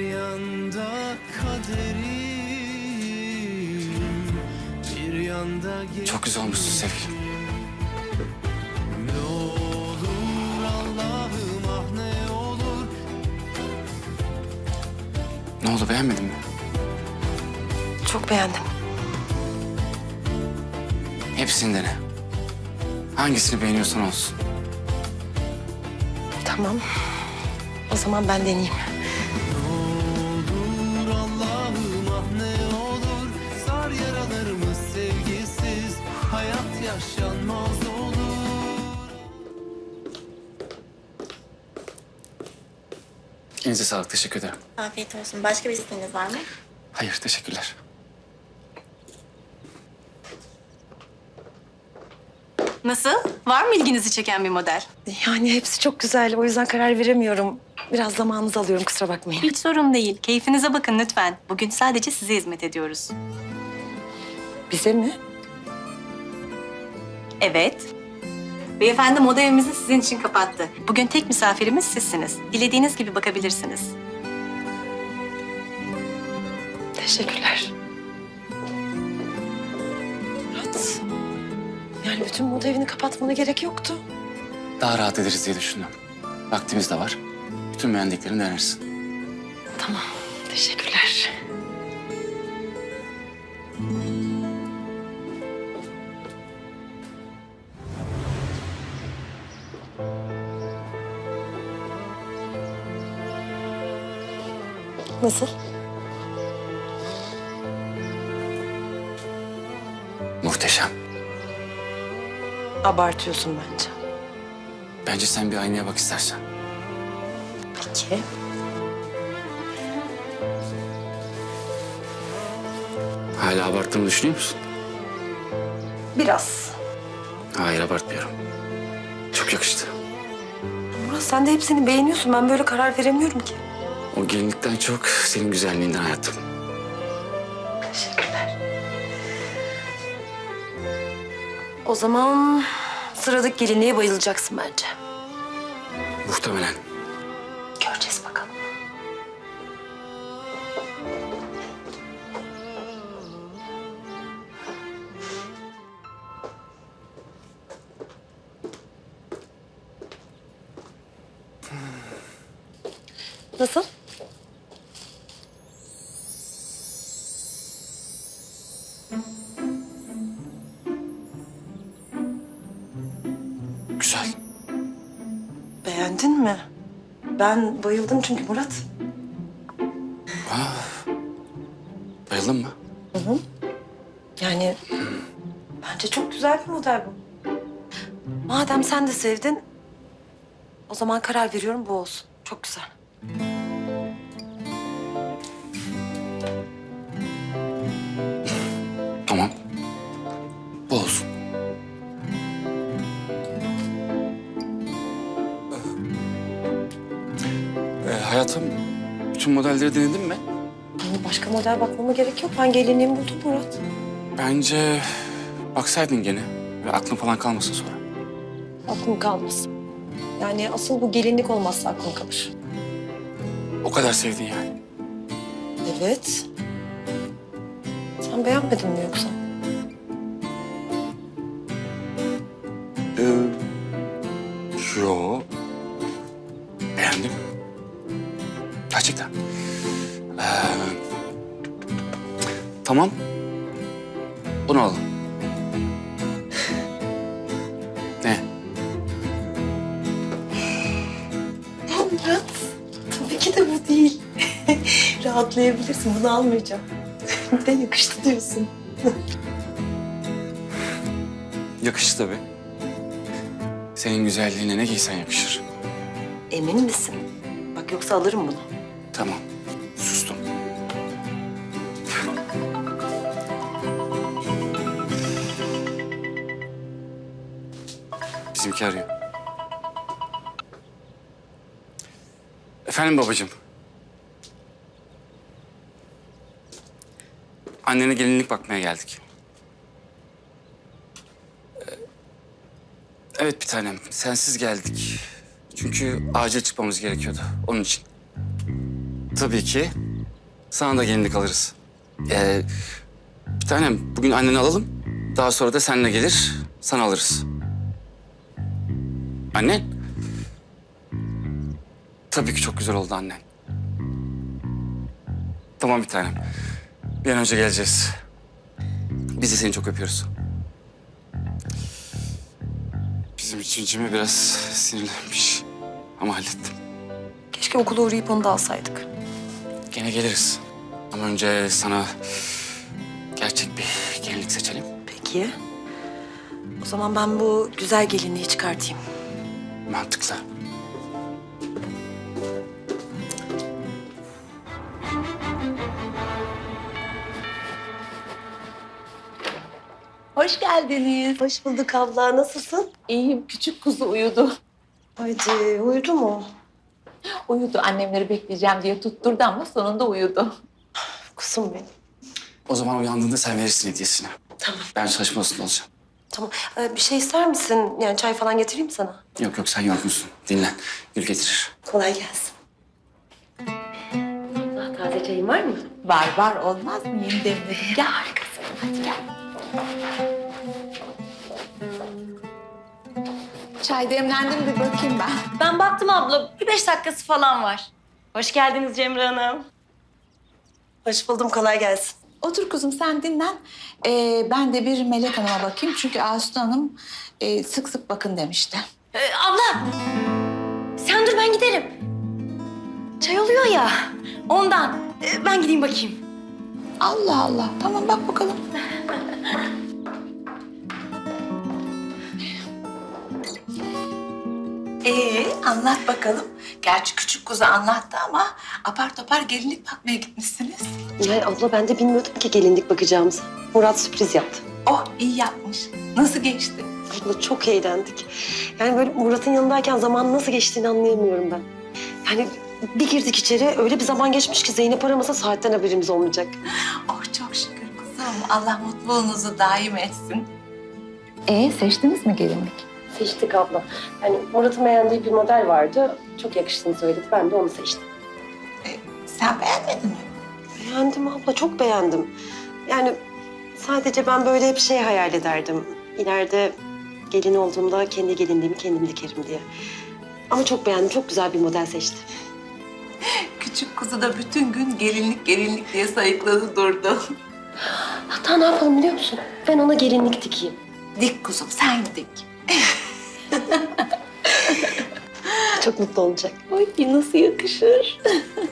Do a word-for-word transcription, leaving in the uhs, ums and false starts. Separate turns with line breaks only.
yanda kaderim, bir yanda
Çok güzel olmuşsun sevgilim.
Ne olur Allah'ım, ah ne olur.
Ne oldu, beğenmedin mi?
Çok beğendim.
Hepsini dene. Hangisini beğeniyorsan olsun.
Tamam. O zaman ben deneyeyim.
Olur Allah'ım, ah ne olur. Sar yaralarımı sevgisiz, hayat yaşanmaz olur.
Elinize sağlık, teşekkür ederim.
Afiyet olsun. Başka bir isteğiniz var mı?
Hayır, teşekkürler.
Nasıl? Var mı ilginizi çeken bir model?
Yani hepsi çok güzel. O yüzden karar veremiyorum. Biraz zamanınızı alıyorum, kusura bakmayın.
Hiç sorun değil. Keyfinize bakın lütfen. Bugün sadece size hizmet ediyoruz.
Bize mi?
Evet. Beyefendi moda evimizi sizin için kapattı. Bugün tek misafirimiz sizsiniz. Dilediğiniz gibi bakabilirsiniz.
Teşekkürler. Murat, yani bütün moda evini kapatmana gerek yoktu.
Daha rahat ederiz diye düşündüm. Vaktimiz de var. Bütün beğendiklerini denersin.
Tamam, teşekkürler. Nasıl?
Muhteşem.
Abartıyorsun bence.
Bence sen bir aynaya bak istersen.
Peki.
Hala abarttığımı düşünüyor musun?
Biraz.
Hayır, abartmıyorum. Çok yakıştı.
Murat, sen de hepsini beğeniyorsun. Ben böyle karar veremiyorum ki.
O gelinlikten çok senin güzelliğinden hayatım.
Teşekkürler. O zaman sıradaki gelinliğe bayılacaksın bence.
Muhtemelen.
Göreceğiz bakalım. Nasıl?
Güzel.
Beğendin mi? Ben bayıldım çünkü Murat.
Bayıldın mı?
Hı hı. Yani bence çok güzel bir model bu. Madem sen de sevdin, o zaman karar veriyorum bu olsun. Çok güzel.
Tamam. Bu olsun. Ee, hayatım, bütün modelleri denedin mi?
Yani başka model bakmama gerek yok. Ben gelinliğimi buldum Murat.
Bence baksaydın gene ve aklın falan kalmasın sonra.
Aklım kalmasın. Yani asıl bu gelinlik olmazsa aklım kalır.
O kadar sevdin yani.
Evet. Sen beğenmedin mi yoksa?
Ee, yo. Beğendim. Gerçekten. Ee, tamam. Bunu alalım. Ne?
Ya Murat, tabii ki de bu değil. Rahatlayabilirsin, bunu almayacağım. Bir de yakıştı diyorsun.
Yakışır tabii. Senin güzelliğine ne giysen yakışır.
Emin misin? Bak yoksa alırım bunu.
Tamam. Sustum. Bizimki arıyor. Efendim babacığım. Annene gelinlik bakmaya geldik. Ee, Evet bir tanem, sensiz geldik. Çünkü acil çıkmamız gerekiyordu, onun için. Tabii ki. Sana da gelinlik alırız. Ee, bir tanem bugün anneni alalım. Daha sonra da seninle gelir, sana alırız. Annen? Tabii ki çok güzel oldu annen. Tamam bir tanem. Bir an önce geleceğiz. Biz de seni çok öpüyoruz. Bizim için Cem'e biraz sinirlenmiş. Ama hallettim.
Keşke okula uğrayıp onu da alsaydık.
Gene geliriz. Ama önce sana gerçek bir gelinlik seçelim.
Peki. O zaman ben bu güzel gelinliği çıkartayım.
Mantıklı.
Hoş geldiniz.
Hoş bulduk abla. Nasılsın?
İyiyim. Küçük kuzu uyudu.
Haydi uyudu mu?
Uyudu. Annemleri bekleyeceğim diye tutturdu ama sonunda uyudu.
Kuzum benim.
O zaman uyandığında sen verirsin hediyesini.
Tamam.
Ben çalışma odasında olacağım.
Tamam. Ee, bir şey ister misin? Yani çay falan getireyim mi sana?
Yok yok sen yorgunsun. Dinlen. Gül getirir.
Kolay gelsin. Daha taze çayın var mı?
Var var olmaz mı? Yeni demledim. Gel harikasın. Hadi gel. Çay demlendi mi bir bakayım ben.
Ben baktım abla. Bir beş dakikası falan var. Hoş geldiniz Cemre Hanım.
Hoş buldum. Kolay gelsin.
Otur kuzum sen dinlen. Ee, ben de bir Melek Hanım'a bakayım. Çünkü Aslı Hanım e, sık sık bakın demişti.
Ee, abla. Sen dur ben giderim. Çay oluyor ya. Ondan. Ee, ben gideyim bakayım.
Allah Allah. Tamam bak bakalım. Ee, anlat bakalım. Gerçi küçük kuzu anlattı ama apar topar gelinlik bakmaya gitmişsiniz.
Ya abla ben de bilmiyordum ki gelinlik bakacağımızı. Murat sürpriz yaptı.
Oh iyi yapmış. Nasıl geçti?
Abla çok eğlendik. Yani böyle Murat'ın yanındayken zaman nasıl geçtiğini anlayamıyorum ben. Yani bir girdik içeri öyle bir zaman geçmiş ki Zeynep aramasa saatten haberimiz olmayacak.
Oh çok şükür kuzum. Allah mutluluğunuzu daim etsin. Ee seçtiniz mi gelinlik?
Seçtik abla. Yani Murat'ın beğendiği bir model vardı. Çok yakıştığını söyledi. Ben de onu seçtim.
Sen beğenmedin mi?
Beğendim abla, çok beğendim. Yani sadece ben böyle hep şey hayal ederdim. İleride gelin olduğumda kendi gelinliğimi kendim dikerim diye. Ama çok beğendim, çok güzel bir model seçti.
Küçük kuzu da bütün gün gelinlik gelinlik diye sayıkladı durdu.
Hatta ne yapalım biliyor musun? Ben ona gelinlik dikeyim.
Dik kuzum sen dik.
Çok mutlu olacak.
Ay nasıl yakışır.